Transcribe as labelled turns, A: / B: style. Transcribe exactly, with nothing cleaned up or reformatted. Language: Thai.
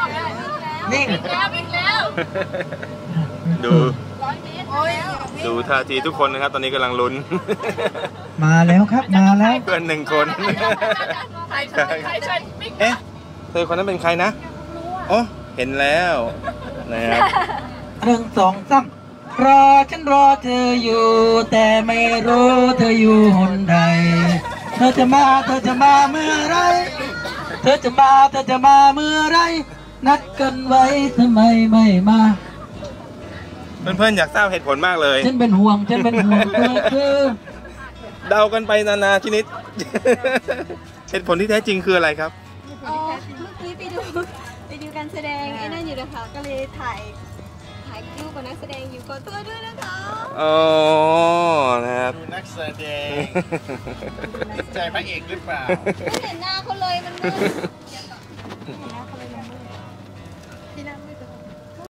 A: นิ่ง
B: ดูดูท่าทีทุกคนนะครับตอนนี้กำลังลุ้น
A: มาแล้วครับมาแล้ว
B: เพื่อนหนึ่งคนเอ๊ะเธอคนนั้นเป็นใครนะอ๋อเห็นแล้วนะครับ
A: หนึ่งสองสามรอฉันรอเธออยู่แต่ไม่รู้เธออยู่หนใดเธอจะมาเธอจะมาเมื่อไรเธอจะมาเธอจะมาเมื่อไรนัดกันไว้ทำไมไม่มา
B: เพื่อนๆอยากทราบเหตุผลมากเลย
A: ฉันเป็นห่วงฉันเป็นห่วงเธอคือ
B: เดากันไปนานาชนิดเหตุผลที่แท้จริงคืออะไรครับ
C: อ๋อเมื่อกี้ไปดูไปดูการแสดงไอ้นั่นอยู่นะคะก็เลยถ่ายถ่ายรูปกับนักแสดงอยู่ก็ตัวด้วยนะคะ
B: อ๋อนะครับ
D: ดูนักแสดงใจพระเอกหรือเปล่า
C: ไม่เห็นหน้าเขาเลยมันมืดเห็นหน้าเขาเลยมันมืดที่หน้ามืด